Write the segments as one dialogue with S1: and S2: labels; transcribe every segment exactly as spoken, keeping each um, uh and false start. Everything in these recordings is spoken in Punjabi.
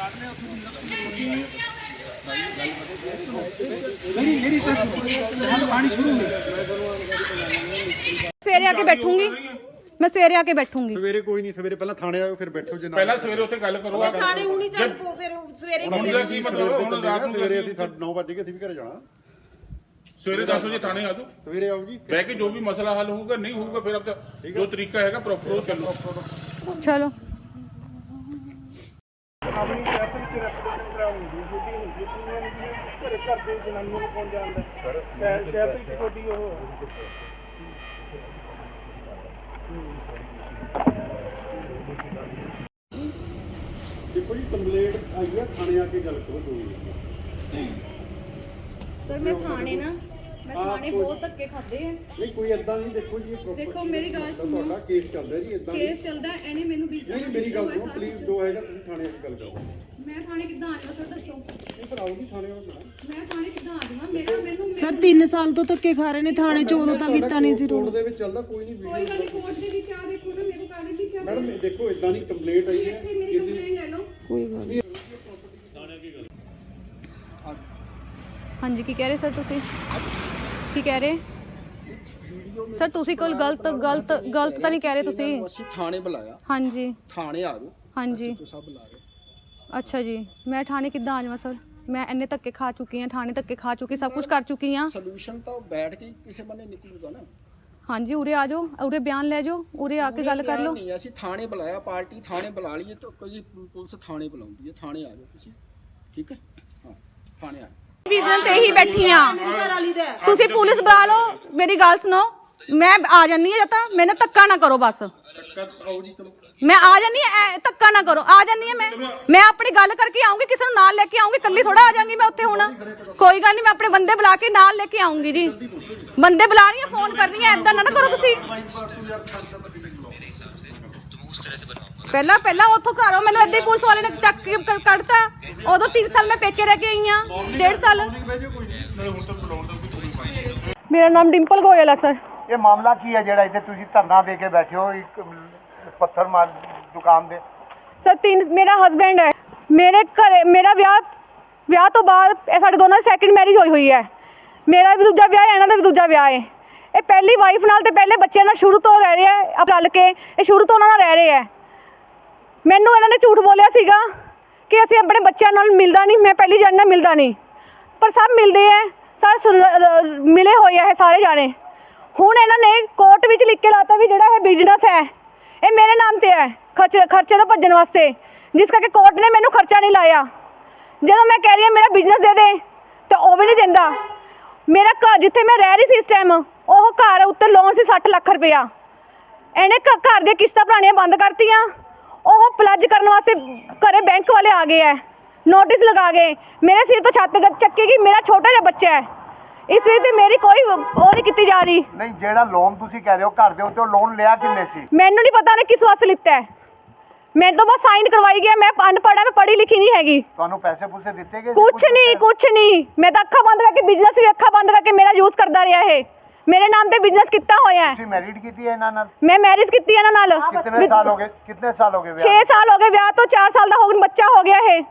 S1: सवेरे आके बैठूंगी मैं सवेरे आके बैठूंगी
S2: सवेरे कोई नहीं सवेरे पहले थाने आओ फिर बैठो जे
S3: पहला सवेरे ਉੱਥੇ ਗੱਲ ਕਰੋ
S4: थाने हुणी चल पो फिर सवेरे
S3: ਹੁਣ ਦਾ ਕੀ ਮਤਲਬ ਹੁਣ ਰਾਤ ਨੂੰ
S2: ਸਵੇਰੇ ਅਸੀਂ ਨੌ ਵਜੇ ਅਸੀਂ ਵੀ ਘਰੇ ਜਾਣਾ
S3: ਸਵੇਰੇ ਦਸ ਵਜੇ ਥਾਣੇ ਆ ਜਾਓ
S2: ਸਵੇਰੇ ਆਓ ਜੀ
S3: ਬਹਿ ਕੇ ਜੋ ਵੀ ਮਸਲਾ ਹੱਲ ਹੋਊਗਾ ਨਹੀਂ ਹੋਊਗਾ ਫਿਰ ਆਪ ਜੋ ਤਰੀਕਾ ਹੈਗਾ ਪ੍ਰੋਪਰ ਚੱਲੋ
S1: चलो
S5: ਆਪਣੀ ਸ਼ਹਿਰ ਵਿੱਚ ਰੈਪੂਟੇਸ਼ਨ ਖਰਾਬ ਹੁੰਦੀ ਹੈ ਛੋਟੀ ਹੁੰਦੀ ਹੈ ਘਰੇ ਘਰ ਦੇ ਜਨਾਨੀਆਂ ਨੂੰ ਕੌਣ ਜਾਣਦਾ ਸ਼ਹਿਰ ਸ਼ਹਿਰ ਵਿੱਚ ਛੋਟੀ ਉਹ
S2: ਦੇਖੋ ਜੀ ਕੰਪਲੇਂਟ ਆਈ ਹੈ ਥਾਣੇ ਆ ਕੇ ਗੱਲ ਕਰੋ ਦੋ
S1: सर मैं थाने ना मैं थाने बहुत धक्के खाते हैं
S2: ਨਹੀਂ ਕੋਈ ਇਦਾਂ ਨਹੀਂ ਦੇਖੋ ਜੀ ਇਹ
S1: देखो मेरी गल सुनो
S2: ਤੁਹਾਡਾ ਕੇਸ ਚੱਲਦਾ ਜੀ ਇਦਾਂ
S1: केस चलदा एने मेनू बीस
S2: ਨਹੀਂ ਮੇਰੀ ਗੱਲ ਸੁਣੋ ਪਲੀਜ਼ ਜੋ ਹੈਗਾ ਤੁਸੀਂ ਥਾਣੇ ਆ ਕੇ ਗੱਲ ਕਰੋ
S1: मैं थाने किदां आ जावां सर दसो
S2: ਨਹੀਂ ਪਰ ਆਓ ਜੀ ਥਾਣੇ ਆਓ ਨਾ
S1: मैं थाने किदां आ जावां मेरा मेनू
S4: सर तीन साल तो धक्के खा रहे ने थाने च उदों तां कीता नहीं सी
S2: ਕੋਰਟ ਦੇ ਵਿੱਚ ਚੱਲਦਾ ਕੋਈ ਨਹੀਂ
S1: कोई गल
S2: ਵੀਡੀਓ
S1: कोर्ट दे विच आ देखो ना मेरे कागज ही क्या
S2: ਮੈਡਮ ਦੇਖੋ ਇਦਾਂ ਨਹੀਂ ਕੰਪਲੇਂਟ ਆਈ ਹੈ
S1: मेरी कंप्लेंट ले लो
S4: कोई गल नहीं
S1: हाँ जी की कह रहे सर तुसी की कह रहे सर तुसी कोई गलत गलत गलत तो नहीं कह रहे तुसी
S6: ਅਸੀਂ ਥਾਣੇ ਬੁਲਾਇਆ
S1: हाँ जी
S6: ਥਾਣੇ ਆ ਜਾਓ
S1: हाँ जी
S6: तो सब बुला रहे
S1: अच्छा जी मैं थाने किदां आ जावां सर मैं इन्ने धक्के खा चुकी हां थाने धक्के खा चुकी सब कुछ कर चुकी हां
S6: ਸੋਲੂਸ਼ਨ ਤਾਂ ਬੈਠ ਕੇ ਕਿਸੇ ਬੰਨੇ ਨਿਕਲੂਗਾ ਨਾ
S1: हाँ जी उरे आ जाओ उरे बयान ले जाओ उरे आके गल कर लो
S6: ਨਹੀਂ ਅਸੀਂ ਥਾਣੇ ਬੁਲਾਇਆ ਪਾਰਟੀ ਥਾਣੇ ਬੁਲਾ ਲਈਏ ਤਾਂ ਕੋਈ ਪੁਲਿਸ ਥਾਣੇ ਬੁਲਾਉਂਦੀ ਹੈ ਥਾਣੇ ਆ ਜਾਓ ਤੁਸੀਂ ਠੀਕ ਹੈ ਹਾਂ ਥਾਣੇ ਆ
S1: ਵਿਜ਼ਨ ਤੇ ਹੀ ਬੈਠੀ ਆ ਤੁਸੀਂ ਪੁਲਿਸ ਬੁਲਾ ਲਓ ਮੇਰੀ ਗੱਲ ਸੁਣੋ ਮੈਂ ਆ ਜਾਨੀ ਆ ਜਾਂ ਤਾਂ ਮੈਨੂੰ ਧੱਕਾ ਨਾ ਕਰੋ ਬਸ
S6: ਆਓ ਜੀ ਚਲੋ
S1: ਮੈਂ ਆ ਜਾਨੀ ਆ ਧੱਕਾ ਨਾ ਕਰੋ ਆ ਜਾਨੀ ਆ ਮੈਂ ਮੈਂ ਆਪਣੀ ਗੱਲ ਕਰਕੇ ਆਉਂਗੀ ਕਿਸੇ ਨੂੰ ਨਾਲ ਲੈ ਕੇ ਆਉਂਗੀ ਇਕੱਲੀ ਥੋੜਾ ਆ ਜਾਵਾਂਗੀ ਮੈਂ ਉੱਥੇ ਹੁਣ ਕੋਈ ਗੱਲ ਨਹੀਂ ਮੈਂ ਆਪਣੇ ਬੰਦੇ ਬੁਲਾ ਕੇ ਨਾਲ ਲੈ ਕੇ ਆਉਂਗੀ ਜੀ ਬੰਦੇ ਬੁਲਾ ਰਹੀ ਆ ਫੋਨ ਕਰ ਰਹੀ ਆ ਐਦਾਂ ਨਾ ਨਾ ਕਰੋ ਤੁਸੀਂ ਪਹਿਲਾਂ ਪਹਿਲਾਂ ਉੱਥੋਂ ਘਰੋਂ ਮੈਨੂੰ ਏਦਾਂ ਹੀ ਪੁਲਿਸ ਵਾਲੇ ਨੇ ਚੱਕ ਕੇ ਕ- ਕੱਢਤਾ ਉਦੋਂ ਤਿੰਨ ਸਾਲ ਮੈਂ ਪੇਕੇ ਰਹਿ ਕੇ ਆਈ ਆ ਡੇਢ ਸਾਲ ਮੇਰਾ ਨਾਮ ਡਿੰਪਲ ਗੋਇਲ ਹੈ ਸਰ
S5: ਇਹ ਮਾਮਲਾ ਕੀ ਹੈ ਜਿਹੜਾ ਇੱਥੇ ਤੁਸੀਂ ਧਰਨਾ ਦੇ ਕੇ ਬੈਠੇ ਹੋ ਇੱਕ ਪੱਥਰ ਮਾਰ ਦੁਕਾਨ ਦੇ
S1: ਸਰ ਤਿੰਨ ਮੇਰਾ ਹਸਬੈਂਡ ਹੈ ਮੇਰੇ ਘਰੇ ਮੇਰਾ ਵਿਆਹ ਵਿਆਹ ਤੋਂ ਬਾਅਦ ਇਹ ਸਾਡੇ ਦੋਨਾਂ ਦੀ ਸੈਕਿੰਡ ਮੈਰਿਜ ਹੋਈ ਹੋਈ ਹੈ ਮੇਰਾ ਵੀ ਦੂਜਾ ਵਿਆਹ ਹੈ ਇਹਨਾਂ ਦਾ ਵੀ ਦੂਜਾ ਵਿਆਹ ਹੈ ਇਹ ਪਹਿਲੀ ਵਾਈਫ ਨਾਲ ਤੇ ਪਹਿਲੇ ਬੱਚੇ ਨਾਲ ਸ਼ੁਰੂ ਤੋਂ ਰਹਿ ਰਹੇ ਆ ਅਬ ਰਲ ਕੇ ਇਹ ਸ਼ੁਰੂ ਤੋਂ ਉਹਨਾਂ ਨਾਲ ਰਹਿ ਰਹੇ ਆ ਮੈਨੂੰ ਇਹਨਾਂ ਨੇ ਝੂਠ ਬੋਲਿਆ ਸੀਗਾ ਕਿ ਅਸੀਂ ਆਪਣੇ ਬੱਚਿਆਂ ਨਾਲ ਮਿਲਦਾ ਨਹੀਂ ਮੈਂ ਪਹਿਲੀ ਜਾਣ ਨਾਲ ਮਿਲਦਾ ਨਹੀਂ ਪਰ ਸਭ ਮਿਲਦੇ ਆ ਸਾਰੇ ਮਿਲੇ ਹੋਏ ਆ ਇਹ ਸਾਰੇ ਜਾਣੇ ਹੁਣ ਇਹਨਾਂ ਨੇ ਕੋਰਟ ਵਿੱਚ ਲਿਖ ਕੇ ਲਾਤਾ ਵੀ ਜਿਹੜਾ ਇਹ ਬਿਜ਼ਨਸ ਹੈ ਇਹ ਮੇਰੇ ਨਾਮ ਤੇ ਹੈ ਖਰਚੇ ਖਰਚੇ ਤੋਂ ਭੱਜਣ ਵਾਸਤੇ ਜਿਸ ਕਰਕੇ ਕੋਰਟ ਨੇ ਮੈਨੂੰ ਖਰਚਾ ਨਹੀਂ ਲਾਇਆ ਜਦੋਂ ਮੈਂ ਕਹਿ ਰਹੀ ਹਾਂ ਮੇਰਾ ਬਿਜ਼ਨਸ ਦੇ ਦੇ ਤਾਂ ਉਹ ਵੀ ਨਹੀਂ ਦਿੰਦਾ ਮੇਰਾ ਘਰ ਜਿੱਥੇ ਮੈਂ ਰਹਿ ਰਹੀ ਸੀ ਇਸ ਟਾਈਮ ਉਹ ਘਰ ਉੱਤੇ ਲੋਨ ਸੀ ਸੱਠ ਲੱਖ ਰੁਪਇਆ ਇਹਨੇ ਘਰ ਦੀਆਂ ਕਿਸ਼ਤਾਂ ਭਰਾਣੀਆਂ ਬੰਦ ਕਰਤੀਆਂ ਉਹ ਪਲੱਜ ਕਰਨ ਵਾਸਤੇ ਘਰੇ ਬੈਂਕ ਵਾਲੇ ਆ ਗਏ ਹੈ ਨੋਟਿਸ ਲਗਾ ਗਏ ਮੇਰੇ ਸਿਰ ਤੋਂ ਛੱਤ ਚੱਕੀ ਗਈ ਮੇਰਾ ਛੋਟਾ ਜਿਹਾ ਬੱਚਾ ਹੈ ਇਸ ਲਈ ਤੇ ਮੇਰੀ ਕੋਈ ਉਹ ਨਹੀਂ ਕੀਤੀ ਜਾ ਰਹੀ
S5: ਨਹੀਂ ਜਿਹੜਾ ਲੋਨ ਤੁਸੀਂ ਕਹਿ ਰਹੇ ਹੋ ਘਰ ਦੇ ਉੱਤੇ ਉਹ ਲੋਨ ਲਿਆ ਕਿੰਨੇ ਸੀ
S1: ਮੈਨੂੰ ਨਹੀਂ ਪਤਾ ਉਹਨੇ ਕਿਸ ਵਾਸਤੇ ਲਿੱਤਾ ਹੈ ਮੇਰੇ ਤੋਂ ਬਸ ਸਾਈਨ ਕਰਵਾਈ ਗਿਆ ਮੈਂ ਅਨਪੜ੍ਹ ਹਾਂ ਮੈਂ ਪੜ੍ਹੀ ਲਿਖੀ ਨਹੀਂ ਹੈਗੀ
S5: ਤੁਹਾਨੂੰ ਪੈਸੇ ਪੂਸੇ ਦਿੱਤੇ ਗਏ
S1: ਕੁਛ ਨਹੀਂ ਕੁਛ ਨਹੀਂ ਮੈਂ ਤਾਂ ਅੱਖਾਂ ਬੰਦ ਕਰਕੇ ਬਿਜ਼ਨਸ ਵੀ ਅੱਖਾਂ ਬੰਦ ਕਰਕੇ ਮੇਰਾ ਯੂਜ਼ ਕਰਦਾ ਰਿਹਾ ਇਹ ਮੇਰੇ ਨਾਮ ਤੇ ਬਿਜ਼ਨਸ ਕੀਤਾ ਹੋਇਆ ਹੈ
S5: ਤੁਸੀਂ ਮੈਰਿਡ ਕੀਤੀ ਹੈ ਇਹਨਾਂ ਨਾਲ
S1: ਮੈਂ ਮੈਰਿਜ ਕੀਤੀ ਇਹਨਾਂ ਨਾਲ
S5: ਕਿੰਨੇ ਸਾਲ ਹੋ ਗਏ ਕਿੰਨੇ ਸਾਲ ਹੋ ਗਏ ਵਿਆਹ
S1: ਛੇ ਸਾਲ ਹੋ ਗਏ ਵਿਆਹ ਤੋਂ ਚਾਰ ਸਾਲ ਦਾ ਹੋ ਗਿਆ ਬੱਚਾ ਹੋ ਗਿਆ ਇਹ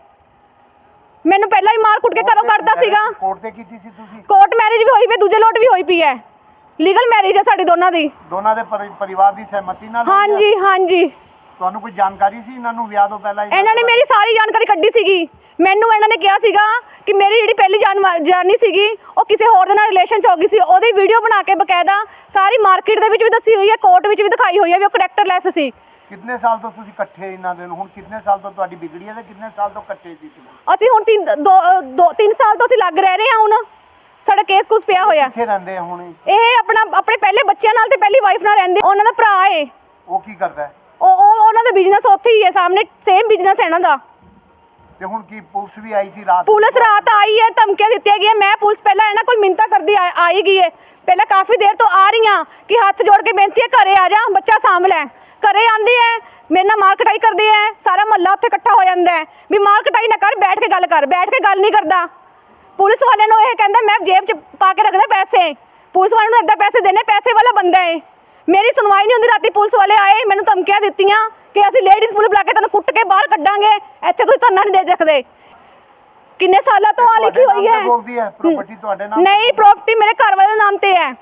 S1: ਮੈਨੂੰ ਪਹਿਲਾਂ ਹੀ ਮਾਰ ਕੁੱਟ ਕੇ ਘਰੋਂ ਕੱਢਦਾ ਸੀਗਾ
S5: ਕੋਰਟ ਤੇ ਕੀਤੀ ਸੀ ਤੁਸੀਂ
S1: ਕੋਰਟ ਮੈਰਿਜ ਵੀ ਹੋਈ ਪਈ ਦੂਜੇ ਲੋਟ ਵੀ ਹੋਈ ਪਈ ਹੈ ਲੀਗਲ ਮੈਰਿਜ ਹੈ ਸਾਡੀ ਦੋਨਾਂ ਦੀ
S5: ਦੋਨਾਂ ਦੇ ਪਰਿ- ਪਰਿਵਾਰ ਦੀ ਸਹਿਮਤੀ ਨਾਲ ਹੋਈ ਹੈ?
S1: ਹਾਂਜੀ ਹਾਂਜੀ
S5: ਤੁਹਾਨੂੰ ਕੋਈ ਜਾਣਕਾਰੀ ਸੀ ਇਹਨਾਂ ਨੂੰ ਵਿਆਹ ਤੋਂ ਪਹਿਲਾਂ ਹੀ?
S1: ਇਹਨਾਂ ਨੇ ਮੇਰੀ ਸਾਰੀ ਜਾਣਕਾਰੀ ਕੱਢੀ ਸੀਗੀ ਮੈਨੂੰ ਇਹਨਾਂ ਨੇ ਕਿਹਾ ਸੀਗਾ ਕਿ ਮੇਰੀ ਜਿਹੜੀ ਪਹਿਲੀ ਜਾਨ ਜਾਨੀ ਸੀਗੀ ਉਹ ਕਿਸੇ ਹੋਰ ਦੇ ਨਾਲ ਰਿਲੇਸ਼ਨ ਚ ਹੋ ਗਈ ਸੀ ਉਹਦੀ ਵੀਡੀਓ ਬਣਾ ਕੇ ਬਕਾਇਦਾ ਸਾਰੀ ਮਾਰਕੀਟ ਦੇ ਵਿੱਚ ਵੀ ਦੱਸੀ ਹੋਈ ਹੈ ਕੋਰਟ ਵਿੱਚ ਵੀ ਦਿਖਾਈ ਹੋਈ ਹੈ ਵੀ ਉਹ ਕਰੈਕਟਰਲੈਸ ਸੀ
S5: ਕਿੰਨੇ ਸਾਲ ਤੋਂ ਤੁਸੀਂ ਇਕੱਠੇ ਇਹਨਾਂ ਦੇ ਨੂੰ ਹੁਣ ਕਿੰਨੇ ਸਾਲ ਤੋਂ ਤੁਹਾਡੀ ਵਿਗੜੀ ਹੈ ਤੇ ਕਿੰਨੇ ਸਾਲ ਤੋਂ ਇਕੱਠੇ ਸੀ ਤੁਸੀਂ?
S1: ਅਸੀਂ ਹੁਣ ਤਿੰਨ ਦੋ ਦੋ ਤਿੰਨ ਸਾਲ ਤੋਂ ਅਸੀਂ ਲੱਗ ਰਹਿ ਰਹੇ ਹਾਂ ਹੁਣ ਸਾਡਾ ਕੇਸ ਕੁਸ ਪਿਆ ਹੋਇਆ
S5: ਕਿੱਥੇ ਰਹਿੰਦੇ ਆ ਹੁਣ ਇਹ?
S1: ਇਹ ਆਪਣਾ ਆਪਣੇ ਪਹਿਲੇ ਬੱਚਿਆਂ ਨਾਲ ਤੇ ਪਹਿਲੀ ਵਾਈਫ ਨਾਲ ਰਹਿੰਦੇ ਉਹਨਾਂ ਦਾ ਭਰਾ ਏ
S5: ਉਹ ਕੀ ਕਰਦਾ ਹੈ?
S1: ਉਹ ਉਹ ਉਹਨਾਂ ਦਾ ਬਿਜ਼ਨਸ ਉੱਥੇ ਹੀ ਹੈ ਸਾਹਮਣੇ ਸੇਮ ਬਿਜ਼ਨਸ ਹੈ ਇਹਨਾਂ ਦਾ
S5: ਤੇ ਹੁਣ ਕੀ ਪੁਲਿਸ ਵੀ ਆਈ ਸੀ ਰਾਤ
S1: ਪੁਲਿਸ ਰਾਤ ਆਈ ਹੈ ਧਮਕੀਆਂ ਦਿੱਤੀਆਂ ਗਈਆਂ ਮੈਂ ਪੁਲਿਸ ਪਹਿਲਾਂ ਇਹਨਾਂ ਕੋਲ ਮਿੰਤਾ ਕਰਦੀ ਆ- ਆਈ ਗਈ ਹੈ ਪਹਿਲਾਂ ਕਾਫੀ ਦੇਰ ਤੋਂ ਆ ਰਹੀ ਹਾਂ ਕਿ ਹੱਥ ਜੋੜ ਕੇ ਬੇਨਤੀ ਹੈ ਘਰੇ ਆ ਜਾ ਬੱਚਾ ਸਾਂਭ ਲੈ ਘਰੇ ਆਂਦੀ ਹੈ ਮੇਰੇ ਨਾਲ ਮਾਰ ਕਟਾਈ ਕਰਦੀ ਹੈ ਸਾਰਾ ਮਹੱਲਾ ਉੱਥੇ ਇਕੱਠਾ ਹੋ ਜਾਂਦਾ ਹੈ ਵੀ ਮਾਰ ਕਟਾਈ ਨਾ ਕਰ ਬੈਠ ਕੇ ਗੱਲ ਕਰ ਬੈਠ ਕੇ ਗੱਲ ਨਹੀਂ ਕਰਦਾ ਪੁਲਿਸ ਵਾਲੇ ਨੂੰ ਇਹ ਕਹਿੰਦਾ ਮੈਂ ਜੇਬ 'ਚ ਪਾ ਕੇ ਰੱਖਦਾ ਪੈਸੇ ਪੁਲਿਸ ਵਾਲੇ ਨੂੰ ਇੱਦਾਂ ਪੈਸੇ ਦੇਣੇ ਪੈਸੇ ਵਾਲਾ ਬੰਦਾ ਹੈ ਮੇਰੀ ਸੁਣਵਾਈ ਨਹੀਂ ਹੁੰਦੀ। ਰਾਤੀ ਪੁਲਿਸ ਵਾਲੇ ਆਏ, ਮੈਨੂੰ ਧਮਕੀਆਂ ਦਿੱਤੀਆਂ ਕਿ ਅਸੀਂ ਲੇਡੀਜ਼ ਪੁਲਿਸ ਬੁਲਾ ਕੇ ਤੈਨੂੰ ਕੁੱਟ ਕੇ ਬਾਹਰ ਕੱਢਾਂਗੇ, ਇੱਥੇ ਤੁਸੀਂ ਧਰਨਾ ਨਹੀਂ ਦੇ ਸਕਦੇ। ਕਿੰਨੇ ਸਾਲਾਂ ਤੋਂ ਆ ਲਿਖੀ ਹੋਈ ਹੈ।
S5: ਪ੍ਰਾਪਰਟੀ ਤੁਹਾਡੇ ਨਾਮ
S1: ਨਹੀਂ, ਪ੍ਰਾਪਰਟੀ ਮੇਰੇ ਘਰ ਵਾਲੇ ਦੇ ਨਾਮ ਤੇ ਹੈ।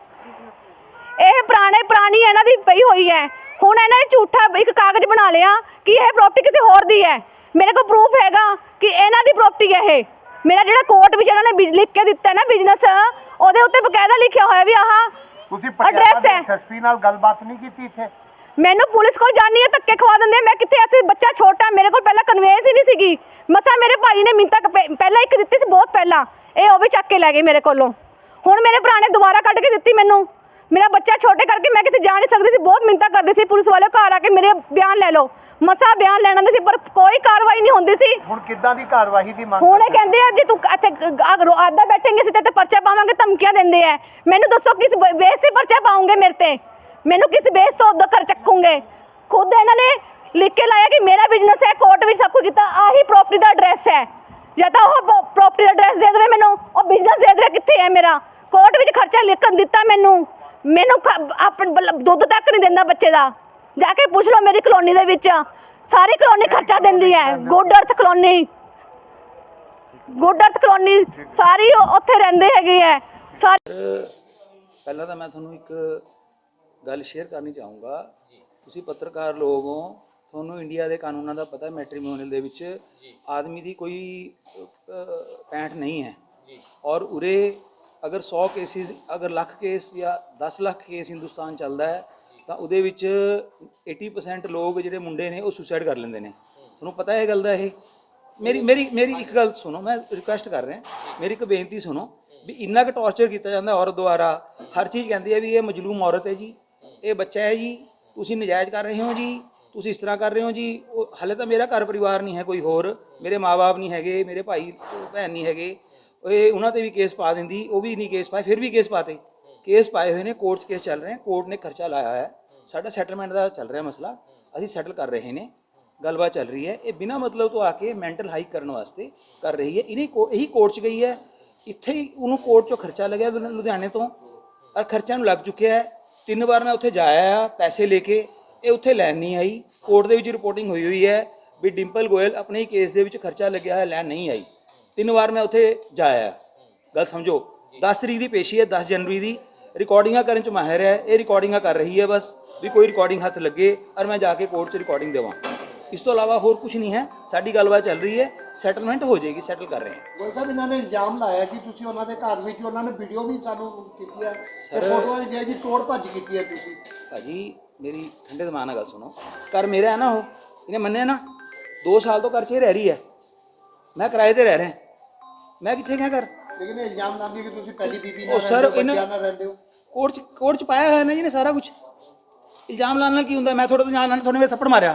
S1: ਇਹ ਪੁਰਾਣੇ ਪੁਰਾਣੀ ਇਹਨਾਂ ਦੀ ਪਈ ਹੋਈ ਹੈ। ਹੁਣ ਇਹਨਾਂ ਨੇ ਝੂਠਾ ਇੱਕ ਕਾਗਜ਼ ਬਣਾ ਲਿਆ ਕਿ ਇਹ ਪ੍ਰਾਪਰਟੀ ਕਿਸੇ ਹੋਰ ਦੀ ਹੈ। ਮੇਰੇ ਕੋਲ ਪ੍ਰੂਫ ਹੈਗਾ ਕਿ ਇਹਨਾਂ ਦੀ ਪ੍ਰਾਪਰਟੀ ਹੈ ਇਹ। ਮੇਰਾ ਜਿਹੜਾ ਕੋਰਟ ਵਿੱਚ ਇਹਨਾਂ ਨੇ ਲਿਖ ਕੇ ਦਿੱਤਾ ਨਾ ਬਿਜ਼ਨਸ, ਉਹਦੇ ਉੱਤੇ ਬਕਾਇਦਾ ਲਿਖਿਆ ਹੋਇਆ ਵੀ ਆਹ
S5: ਤੁਸੀਂ
S1: ਐਡਰੈਸ ਹੈ।
S5: ਐਸਐਸਪੀ ਨਾਲ ਗੱਲਬਾਤ ਨਹੀਂ ਕੀਤੀ ਇੱਥੇ?
S1: ਮੈਨੂੰ ਪੁਲਿਸ ਕੋਲ ਜਾਣੀ ਹੈ, ਧੱਕੇ ਖਵਾ ਦਿੰਦੇ ਆ। ਮੈਂ ਕਿੱਥੇ, ਐਸੇ ਬੱਚਾ ਛੋਟਾ, ਮੇਰੇ ਕੋਲ ਪਹਿਲਾਂ ਕਨਵੇਂਸ ਹੀ ਨਹੀਂ ਸੀਗੀ। ਮਸਾ ਮੇਰੇ ਭਾਈ ਨੇ ਮਿੰਤਾ ਪਹਿਲਾਂ ਇੱਕ ਦਿੱਤੀ ਸੀ, ਬਹੁਤ ਪਹਿਲਾਂ, ਇਹ ਉਹ ਵੀ ਚੱਕ ਕੇ ਲੈ ਗਏ ਮੇਰੇ ਕੋਲੋਂ। ਹੁਣ ਮੇਰੇ ਭਰਾ ਨੇ ਦੁਬਾਰਾ ਕੱਢ ਕੇ ਦਿੱਤੀ ਮੈਨੂੰ। ਮੇਰਾ ਬੱਚਾ ਛੋਟੇ ਕਰਕੇ ਮੈਂ ਕਿਤੇ ਜਾ ਨਹੀਂ ਸਕਦੀ ਸੀ, ਬਹੁਤ ਮਿੰਤਾ ਕਰਦੀ ਸੀ ਪੁਲਿਸ ਵਾਲੇ ਘਰ ਆ ਕੇ ਮੇਰੇ ਬਿਆਨ ਲੈ ਲਓ। ਮਸਾ ਬਿਆਨ ਲੈਣਾ ਸੀ, ਪਰ ਕੋਈ ਕਾਰਵਾਈ ਨਹੀਂ ਹੁੰਦੀ ਸੀ।
S5: ਹੁਣ ਕਿੱਦਾਂ ਦੀ ਕਾਰਵਾਈ ਦੀ ਮੰਗ?
S1: ਹੁਣ ਇਹ ਕਹਿੰਦੇ ਆ ਜੇ ਤੂੰ ਇੱਥੇ ਆਦਾ ਬੈਠेंगे ਸੀ ਤੇ ਪਰਚਾ ਪਾਵਾਂਗੇ, ਧਮਕੀਆਂ ਦਿੰਦੇ ਆ। ਮੈਨੂੰ ਦੱਸੋ ਕਿਸ ਬੇਸ ਤੇ ਪਰਚਾ ਪਾਉਂਗੇ ਮੇਰੇ ਤੇ? ਮੈਨੂੰ ਕਿਸ ਬੇਸ ਤੋਂ ਉਦੋਂ ਕਰ ਚੱਕੂਗੇ? ਖੁਦ ਇਹਨਾਂ ਨੇ ਲਿਖ ਕੇ ਲਾਇਆ ਕਿ ਮੇਰਾ ਬਿਜ਼ਨਸ ਹੈ, ਕੋਰਟ ਵਿੱਚ ਸਭ ਕੁਝ ਕੀਤਾ, ਆਹੀ ਪ੍ਰਾਪਰਟੀ ਦਾ ਐਡਰੈਸ ਹੈ। ਜਾਂ ਤਾਂ ਉਹ ਪ੍ਰਾਪਰਟੀ ਦਾ ਐਡਰੈਸ ਦੇ ਦੇਵੇ ਮੈਨੂੰ, ਉਹ ਬਿਜ਼ਨਸ ਦੇ ਦੇਵੇ ਕਿੱਥੇ ਹੈ ਮੇਰਾ। ਕੋਰਟ ਵਿੱਚ ਖਰਚਾ ਲਿਖਣ ਦਿੱਤਾ ਮੈਨੂੰ। ਮੈਨੂੰ ਆਪਣਾ ਦੁੱਧ ਤੱਕ ਨਹੀਂ ਦਿੰਦਾ ਬੱਚੇ ਦਾ। ਜਾ ਕੇ ਪੁੱਛ ਲਓ ਮੇਰੀ ਕਲੋਨੀ ਦੇ ਵਿੱਚ, ਸਾਰੀ ਕਲੋਨੀ ਖਰਚਾ ਦਿੰਦੀ ਹੈ। Good earth colony, good earth colony ਸਾਰੀ ਉੱਥੇ ਰਹਿੰਦੇ ਹੈਗੇ ਹੈ ਸਾਰੇ।
S7: ਪਹਿਲਾਂ ਤਾਂ ਮੈਂ ਤੁਹਾਨੂੰ ਇੱਕ ਗੱਲ ਸ਼ੇਅਰ ਕਰਨੀ ਚਾਹੂੰਗਾ। ਤੁਸੀਂ ਪੱਤਰਕਾਰ ਲੋਕ ਹੋ, ਤੁਹਾਨੂੰ ਇੰਡੀਆ ਦੇ ਕਾਨੂੰਨਾਂ ਦਾ ਪਤਾ। ਮੈਟਰੀਮੋਨੀਅਲ ਦੇ ਵਿੱਚ ਆਦਮੀ ਦੀ ਕੋਈ ਪੈਂਠ ਨਹੀਂ ਹੈ। ਔਰ ਉਰੇ ਅਗਰ ਸੌ ਕੇਸਿਸ, ਅਗਰ ਲੱਖ ਕੇਸ ਜਾਂ ਦਸ ਲੱਖ ਕੇਸ ਹਿੰਦੁਸਤਾਨ ਚੱਲਦਾ ਹੈ ਤਾਂ ਉਹਦੇ ਵਿੱਚ अस्सी परसेंट ਲੋਕ ਜਿਹੜੇ ਮੁੰਡੇ ਨੇ ਉਹ ਸੁਸਾਈਡ ਕਰ ਲੈਂਦੇ ਨੇ। ਤੁਹਾਨੂੰ ਪਤਾ ਹੈ ਇਹ ਗੱਲ ਦਾ। ਇਹ ਮੇਰੀ ਮੇਰੀ ਮੇਰੀ ਇੱਕ ਗੱਲ ਸੁਣੋ, ਮੈਂ ਰਿਕੁਐਸਟ ਕਰ ਰਿਹਾ, ਮੇਰੀ ਇੱਕ ਬੇਨਤੀ ਸੁਣੋ ਵੀ ਇੰਨਾ ਕੁ ਟੌਰਚਰ ਕੀਤਾ ਜਾਂਦਾ ਔਰਤ ਦੁਆਰਾ। ਹਰ ਚੀਜ਼ ਕਹਿੰਦੀ ਹੈ ਵੀ ਇਹ ਮਜਲੂਮ ਔਰਤ ਹੈ ਜੀ, ਇਹ ਬੱਚਾ ਹੈ ਜੀ, ਤੁਸੀਂ ਨਜਾਇਜ਼ ਕਰ ਰਹੇ ਹੋ ਜੀ, ਤੁਸੀਂ ਇਸ ਤਰ੍ਹਾਂ ਕਰ ਰਹੇ ਹੋ ਜੀ। ਉਹ ਹਾਲੇ ਤਾਂ ਮੇਰਾ ਘਰ ਪਰਿਵਾਰ ਨਹੀਂ ਹੈ ਕੋਈ ਹੋਰ, ਮੇਰੇ ਮਾਂ-ਬਾਪ ਨਹੀਂ ਹੈਗੇ, ਮੇਰੇ ਭਾਈ ਭੈਣ ਨਹੀਂ ਹੈਗੇ। ਇਹ ਉਹਨਾਂ ਤੇ ਵੀ ਕੇਸ ਪਾ ਦਿੰਦੀ, ਉਹ ਵੀ ਨਹੀਂ ਕੇਸ ਪਾਏ, ਫਿਰ ਵੀ ਕੇਸ ਪਾਤੇ। ਕੇਸ ਪਾਏ ਹੋਏ ਨੇ, ਕੋਰਟ 'ਚ ਕੇਸ ਚੱਲ ਰਹੇ, ਕੋਰਟ ਨੇ ਖਰਚਾ ਲਾਇਆ ਹੈ। ਸਾਡਾ ਸੈਟਲਮੈਂਟ ਦਾ ਚੱਲ ਰਿਹਾ ਮਸਲਾ, ਅਸੀਂ ਸੈਟਲ ਕਰ ਰਹੇ ਨੇ, ਗੱਲਬਾਤ ਚੱਲ ਰਹੀ ਹੈ। ਇਹ ਬਿਨਾਂ ਮਤਲਬ ਤੋਂ ਆ ਕੇ ਮੈਂਟਲ ਹਾਈਕ ਕਰਨ ਵਾਸਤੇ ਕਰ ਰਹੀ ਹੈ। ਇਹਨੇ ਇਹੀ ਕੋਰਟ 'ਚ ਗਈ ਹੈ, ਇੱਥੇ ਹੀ ਉਹਨੂੰ ਕੋਰਟ 'ਚੋਂ ਖਰਚਾ ਲੱਗਿਆ ਲੁਧਿਆਣੇ ਤੋਂ, ਔਰ ਖਰਚਾ ਨੂੰ ਲੱਗ ਚੁੱਕਿਆ ਹੈ। ਤਿੰਨ ਵਾਰ ਮੈਂ ਉੱਥੇ ਜਾਇਆ ਆ ਪੈਸੇ ਲੈ ਕੇ, ਇਹ ਉੱਥੇ ਲੈਣ ਨਹੀਂ ਆਈ। ਕੋਰਟ ਦੇ ਵਿੱਚ ਰਿਪੋਰਟਿੰਗ ਹੋਈ ਹੋਈ ਹੈ ਵੀ ਡਿੰਪਲ ਗੋਇਲ ਆਪਣੇ ਹੀ ਕੇਸ ਦੇ ਵਿੱਚ ਖਰਚਾ ਲੱਗਿਆ ਹੈ, ਲੈਣ ਨਹੀਂ ਆਈ। ਤਿੰਨ ਵਾਰ ਮੈਂ ਉੱਥੇ ਜਾਇਆ। ਗੱਲ ਸਮਝੋ, ਦਸ ਤਰੀਕ ਦੀ ਪੇਸ਼ੀ ਹੈ, ਦਸ ਜਨਵਰੀ ਦੀ। ਰਿਕਾਰਡਿੰਗਾਂ ਕਰਨ 'ਚ ਮਾਹਿਰ ਹੈ, ਇਹ ਰਿਕਾਰਡਿੰਗਾਂ ਕਰ ਰਹੀ ਹੈ ਬਸ ਵੀ ਕੋਈ ਰਿਕਾਰਡਿੰਗ ਹੱਥ ਲੱਗੇ ਔਰ ਮੈਂ ਜਾ ਕੇ ਕੋਰਟ 'ਚ ਰਿਕਾਰਡਿੰਗ ਦੇਵਾਂ। ਇਸ ਤੋਂ ਇਲਾਵਾ ਹੋਰ ਕੁਝ ਨਹੀਂ ਹੈ। ਸਾਡੀ ਗੱਲਬਾਤ ਚੱਲ ਰਹੀ ਹੈ, ਸੈਟਲਮੈਂਟ ਹੋ ਜਾਏਗੀ, ਸੈਟਲ ਕਰ ਰਹੇ ਹਾਂ।
S2: ਗੋਇਲ ਸਾਹਿਬ, ਇਹਨਾਂ ਨੇ ਇਲਜ਼ਾਮ ਲਾਇਆ ਕਿ ਤੁਸੀਂ ਉਹਨਾਂ ਦੇ ਘਰ ਵਿੱਚ, ਉਹਨਾਂ ਨੇ ਵੀਡੀਓ ਵੀ ਸਾਨੂੰ ਕੀਤੀ ਹੈ ਤੇ ਫੋਟੋਆਂ ਵੀ ਦਿਆ ਜੀ, ਤੋੜ ਭੱਜ ਕੀਤੀ ਹੈ ਤੁਸੀਂ।
S7: ਭਾਜੀ ਮੇਰੀ ਠੰਡੇ ਦਿਮਾਗ ਨਾਲ ਗੱਲ ਸੁਣੋ, ਘਰ ਮੇਰਾ ਹੈ ਨਾ, ਉਹ ਇਹਨੇ ਮੰਨਿਆ ਨਾ, ਦੋ ਸਾਲ ਤੋਂ ਘਰ 'ਚ ਰਹਿ ਰਹੀ ਹੈ, ਮੈਂ ਕਿਰਾਏ ਤੇ ਰਹਿ ਰਿਹਾ, ਮੈਂ ਕਿੱਥੇ ਗਿਆ ਘਰ।
S2: ਲੇਕਿਨ ਇਹ ਇਲਜ਼ਾਮ ਲਾਉਂਦੀ ਕਿ ਤੁਸੀਂ ਪਹਿਲੀ ਬੀਬੀ
S7: ਉਹ
S2: ਨਾਲ
S7: ਸਰ
S2: ਰਹਿੰਦੇ ਹੋ,
S7: ਇਹਨਾਂ
S2: ਬੱਚਿਆਂ ਨਾਲ ਰਹਿੰਦੇ ਹੋ।
S7: ਕੋਰਟ 'ਚ ਕੋਰਟ 'ਚ ਪਾਇਆ ਹੋਇਆ ਨਾ ਜੀ ਨੇ ਸਾਰਾ ਕੁਝ। ਇਲਜ਼ਾਮ ਲਾਉਣ ਨਾਲ ਕੀ ਹੁੰਦਾ? ਮੈਂ ਤੁਹਾਡੇ ਤੋਂ ਜਾਣ ਨਾਲ ਤੁਹਾਡੇ ਮੇਰੇ ਥੱਪੜ ਮਾਰਿਆ,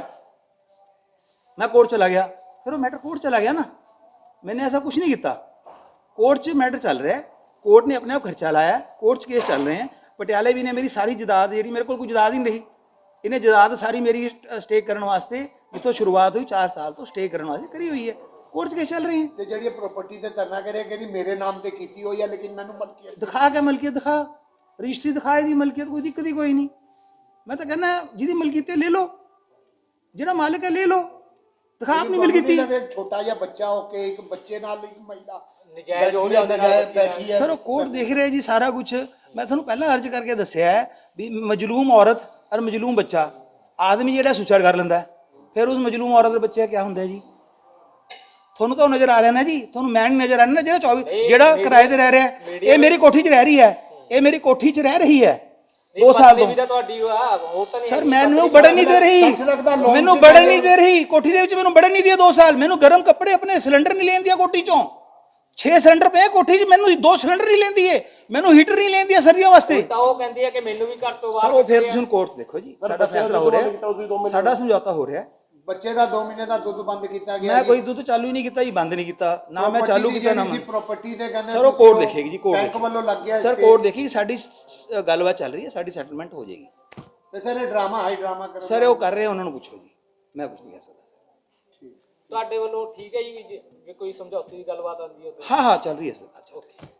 S7: ਮੈਂ ਕੋਰਟ ਚਲਾ ਗਿਆ, ਫਿਰ ਉਹ ਮੈਟਰ ਕੋਰਟ ਚਲਾ ਗਿਆ ਨਾ। मैंने ऐसा कुछ नहीं किया। कोर्ट 'ਚ मैटर चल रहा है, कोर्ट ने अपने आप खर्चा लाया, कोर्ट 'ਚ केस चल रहे हैं। पटियाले भी ने मेरी सारी जदाद जी मेरे को कोई जदाद ही नहीं रही, इन्हें जदाद सारी मेरी स्टे करने वास्ते जितों शुरुआत हुई चार साल तो स्टे करने वास्ते करी हुई है। कोर्ट 'ਚ केस चल रहे हैं।
S2: ਤੇ ਜਿਹੜੀ ਪ੍ਰਾਪਰਟੀ ਤੇ ਧਰਨਾ ਕਰਿਆ ਕਿ ਮੇਰੇ ਨਾਮ ਤੇ ਕੀਤੀ ਹੋਈ ਹੈ लेकिन ਮੈਨੂੰ ਮਲਕੀਅਤ
S7: दिखा क्या मलकियत दिखा, रजिस्ट्री दिखाई दी मलकियत, कोई दिक्कत ही कोई नहीं। मैं तो कहना जिहदी मलकियत ले लो, ਜਿਹੜਾ ਮਾਲਕ ਹੈ ले लो, दिखा अपनी मलकियत।
S2: ਛੋਟਾ ਜਿਹਾ ਬੱਚਾ ਹੋ ਕੇ ਇੱਕ ਬੱਚੇ ਨਾਲ ਇੱਕ ਮਹਿਲਾ
S5: ਨਜਾਇਜ਼ ਹੋ ਜਾਂਦਾ ਹੈ
S7: सर वो कोर्ट देख रहे जी सारा कुछ। मैं ਤੁਹਾਨੂੰ ਪਹਿਲਾਂ अर्ज करके दसिया है भी मजलूम औरत और मजलूम बच्चा, आदमी ਜਿਹੜਾ सुसाइड कर ਲੈਂਦਾ फिर उस मजलूम औरत ਦੇ ਬੱਚੇ क्या ਹੁੰਦਾ जी। ਤੁਹਾਨੂੰ ਤਾਂ ਨਜ਼ਰ ਆ ਰਿਹਾ ਨਾ ਜੀ, ਤੁਹਾਨੂੰ ਮੈਂ ਨਹੀਂ ਨਜ਼ਰ ਆ ਰਿਹਾ ਨਾ। ਜਿਹੜਾ ਚੌਵੀ ਜਿਹੜਾ ਕਿਰਾਏ ਤੇ ਰਹਿ ਰਿਹਾ, ਇਹ ਮੇਰੀ ਕੋਠੀ 'ਚ ਰਹਿ ਰਹੀ ਹੈ, ਇਹ ਮੇਰੀ ਕੋਠੀ 'ਚ ਰਹਿ ਰਹੀ ਹੈ दो साल तो। सर मैनू बढ़न नहीं दे रही, मैनू बढ़न नहीं दे रही कोठी दे विच, मैनू बढ़न नहीं दिया दो साल। मैनू गर्म कपड़े अपने सिलेंडर नहीं लेन दिया कोठी चों, छे सिलेंडर पे कोठी च, मैनू दो सिलेंडर नहीं लेंदी है, मैनू हीटर नहीं लेन दिया सर्दियों वास्ते। सर वो फिर तुसीं कोर्ट देखो जी, साडा फैसला हो रहा है, साडा समझौता हो रहा है।
S2: ਬੱਚੇ ਦਾ ਦੋ ਮਹੀਨੇ ਦਾ ਦੁੱਧ ਬੰਦ ਕੀਤਾ ਗਿਆ।
S7: मैं कोई दुध चालू ही नहीं किया जी, बंद नहीं किया ना, मैं चालू किया ना।
S2: प्रॉपर्टी दे कहंदे
S7: सर वो कोर्ट देखेगी जी, कोर्ट
S2: बैंक वालों लग गया
S7: सर, कोर्ट देखी साडी गलबात चल रही है, साडी सेटलमेंट हो जाएगी।
S2: ਤੇ ਸਰ ਇਹ ਡਰਾਮਾ ਹਾਈ ਡਰਾਮਾ ਕਰ
S7: सर वो कर रहे हैं, उन्होंने पूछो जी, मैं कुछ नहीं कह सकता।
S5: ਤੁਹਾਡੇ ਵੱਲੋਂ ਠੀਕ ਹੈ ਜੀ, ਜੇ ਕੋਈ ਸਮਝੌਤੇ ਦੀ ਗੱਲਬਾਤ ਆਉਂਦੀ ਹੈ।
S7: हाँ हाँ चल रही है सर। अच्छा ओके।